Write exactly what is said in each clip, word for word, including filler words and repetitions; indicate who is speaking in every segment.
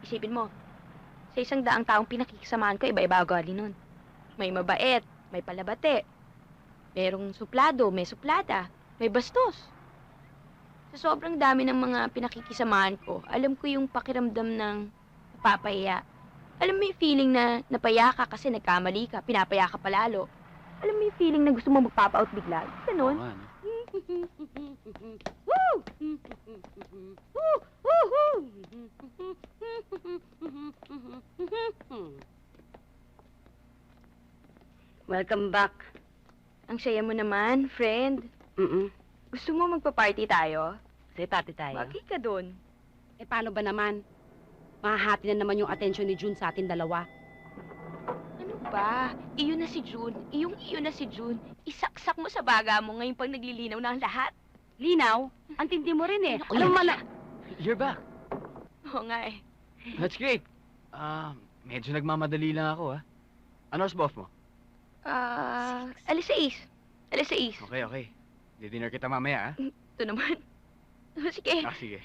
Speaker 1: Isipin mo, sa isang daang taong pinakikisamahan ko, iba-iba ugali nun. May mabait, may palabate, merong suplado, may suplada, may bastos. Sa sobrang dami ng mga pinakikisamahan ko, alam ko yung pakiramdam ng napapaya. Alam mo yung feeling na napaya ka kasi nagkamali ka, pinapaya ka palalo. Alam mo yung feeling na gusto mo magpapa-out bigla. Ganun.
Speaker 2: Oo nga, no?
Speaker 1: Woo! Woo! Woo! Woo!
Speaker 3: Welcome back.
Speaker 1: Ang saya mo naman, friend.
Speaker 3: Mm-mm.
Speaker 1: Gusto mo magpa-party tayo?
Speaker 3: Sige, party tayo.
Speaker 1: Bakit ka dun?
Speaker 3: Eh, paano ba naman? Mahahati na naman yung atensyon ni June sa atin dalawa.
Speaker 1: Ano ba? Iyo na si June. Iyong iyo na si June. Isaksak mo sa baga mo ngayon pang naglilinaw na ang lahat.
Speaker 3: Linaw? Ang tindi mo rin eh.
Speaker 1: Naku,
Speaker 3: Alam
Speaker 1: yan
Speaker 3: mo
Speaker 1: siya.
Speaker 3: na...
Speaker 2: You're back.
Speaker 1: Oo nga eh.
Speaker 2: That's great. Ah, medyo nagmamadali lang ako, ha? Ano oras ba off mo?
Speaker 1: Ah, alas sais. Alas sais.
Speaker 2: Okay, okay. Di-dinner kita mamaya, ha?
Speaker 1: Ito naman. Sige.
Speaker 2: Ah, sige.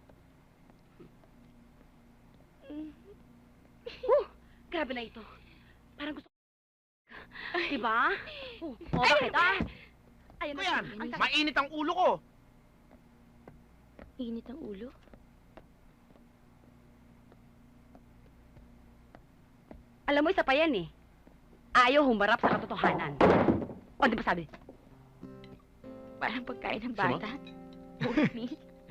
Speaker 3: Huh, grabe na ito. Parang gusto... Diba? Oh, oh bakit ah? Ayun
Speaker 4: Ano
Speaker 3: na
Speaker 4: yan?
Speaker 3: Ang tagal.
Speaker 4: Mainit ang ulo ko.
Speaker 1: Init ang ulo.
Speaker 3: Alam mo, isa pa yan eh. Ayaw humarap sa katotohanan. O, di ba sabi?
Speaker 1: Parang pagkain ng
Speaker 2: Sama?
Speaker 1: bata. Oatmeal.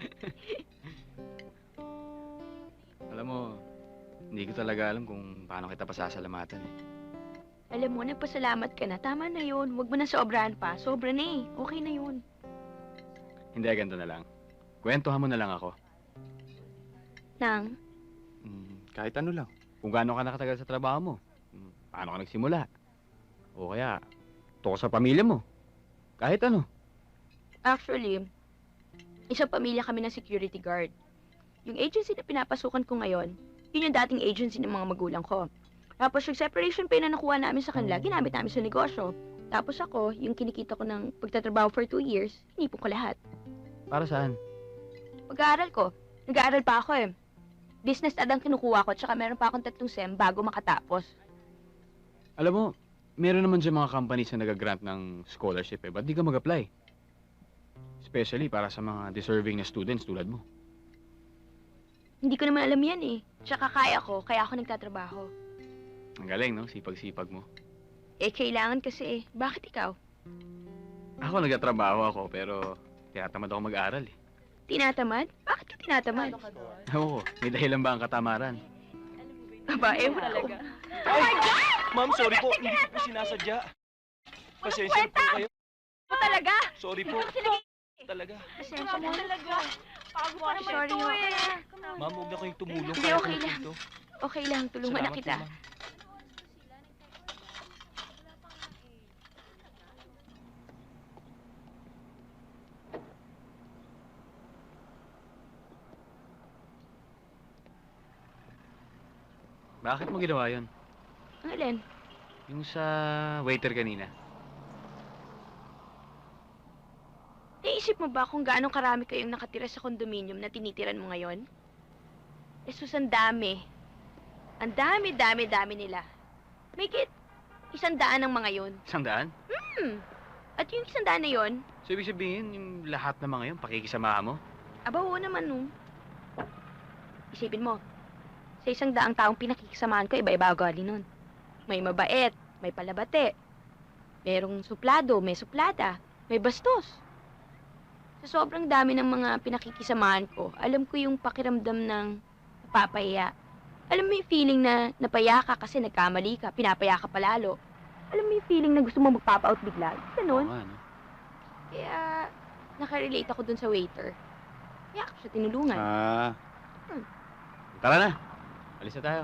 Speaker 2: Alam mo, hindi ko talaga alam kung paano kita pasasalamatan, eh.
Speaker 1: Alam mo, nagpasalamat ka na. Tama na yun. Huwag mo na sobrahan pa. Sobra na eh. Okay na yun.
Speaker 2: Hindi, ganito na lang. Kwentuhan mo na lang ako.
Speaker 1: Nang,
Speaker 2: Hmm, kahit ano lang. Kung gaano ka nakatagal sa trabaho mo. Hmm, paano ka nagsimula. O kaya, tungkol sa pamilya mo. Kahit ano.
Speaker 1: actually, isang pamilya kami ng security guard. Yung agency na pinapasukan ko ngayon, yun yung dating agency ng mga magulang ko. Tapos yung separation pay na nakuha namin sa kanila, ginamit namin sa negosyo. Tapos ako, yung kinikita ko ng pagtatrabaho for two years, hinipon ko lahat.
Speaker 2: Para saan?
Speaker 1: Pag-aaral ko, nag-aaral pa ako eh. Business ad ang kinukuha ko, tsaka meron pa akong tatlong sem bago makatapos.
Speaker 2: Alam mo, meron naman dyan mga companies na nag-grant ng scholarship, eh. Ba't di ka mag-apply? Especially para sa mga deserving na students tulad mo.
Speaker 1: Hindi ko naman alam yan eh. Tsaka kaya ko, kaya ako nagtatrabaho.
Speaker 2: Ang galing, no? Sipag-sipag mo.
Speaker 1: Eh, kailangan kasi eh. Bakit ikaw?
Speaker 2: Ako nagtatrabaho ako, pero tinatamad ako mag-aral, eh.
Speaker 1: Tinatamad? Bakit ka tinatamad?
Speaker 2: Ewan ko, may dahilan ba ang katamaran?
Speaker 1: Aba, ewan ko.
Speaker 4: Oh my God! Ma'am, sorry po. Hindi ko po sinasadya. Pasensya po kayo.
Speaker 1: Ako talaga!
Speaker 4: Sorry po. Talaga.
Speaker 1: Pasensya na.
Speaker 5: Talaga. Pagod naman
Speaker 1: Sorry,
Speaker 5: ito
Speaker 1: ho.
Speaker 5: eh.
Speaker 4: Ma'am, huwag na kayong tumulong.
Speaker 1: Hindi,
Speaker 4: Kaya
Speaker 1: okay
Speaker 4: ko na
Speaker 1: lang.
Speaker 4: dito.
Speaker 1: Okay lang, tulungan na
Speaker 4: Salamat
Speaker 1: kita.
Speaker 4: po, ma'am.
Speaker 2: Bakit mo ginawa yun?
Speaker 1: Ang alin?
Speaker 2: Yung sa waiter kanina.
Speaker 1: Naisip mo ba kung gaano karami kayong nakatira sa kondominium na tinitiran mo ngayon? Jesus, ang dami. Ang dami, dami, dami nila. May kit, isang daan ng mga yon.
Speaker 2: Isang daan?
Speaker 1: Hmm. At yung isang daan na yon,
Speaker 2: So, ibig sabihin, yung lahat ng mga yun, pakikisamahan mo?
Speaker 1: aba, oo naman nung. Isipin mo, sa isang daang taong pinakikisamahan ko, iba-iba ugali nun. May mabait, may palabate, merong suplado, may suplada, may bastos. Sa sobrang dami ng mga pinakikisamahan ko, alam ko yung pakiramdam ng napapaya. Alam mo yung feeling na napaya ka kasi nagkamali ka, pinapaya ka palalo. Alam mo yung feeling na gusto mo magpapa-out bigla. Ganun.
Speaker 2: Oo nga, no?
Speaker 1: Kaya, nakarelate ako dun sa waiter. Kaya ako siya tinulungan.
Speaker 2: Ah.
Speaker 1: Hmm.
Speaker 2: Tara na. Alis na tayo.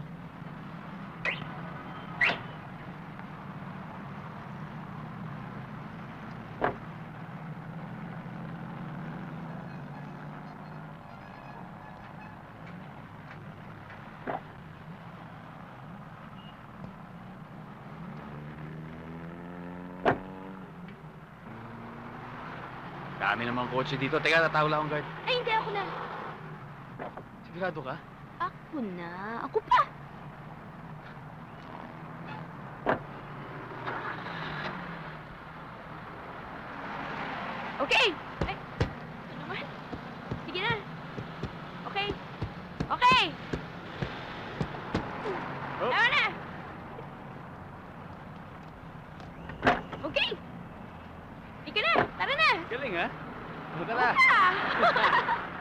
Speaker 2: Dami namang kotse dito. Teka, tatawag lang akong guard.
Speaker 1: Ay, hindi ako na.
Speaker 2: Sigurado ka?
Speaker 1: Ah, Ako na. Ako pa. Okay. Ay, ito naman. Sige na. Okay. Okay.
Speaker 2: Oh.
Speaker 1: Tama na. Okay. Ika na. Tara na.
Speaker 2: Galing, ha? Tara.
Speaker 1: Ah!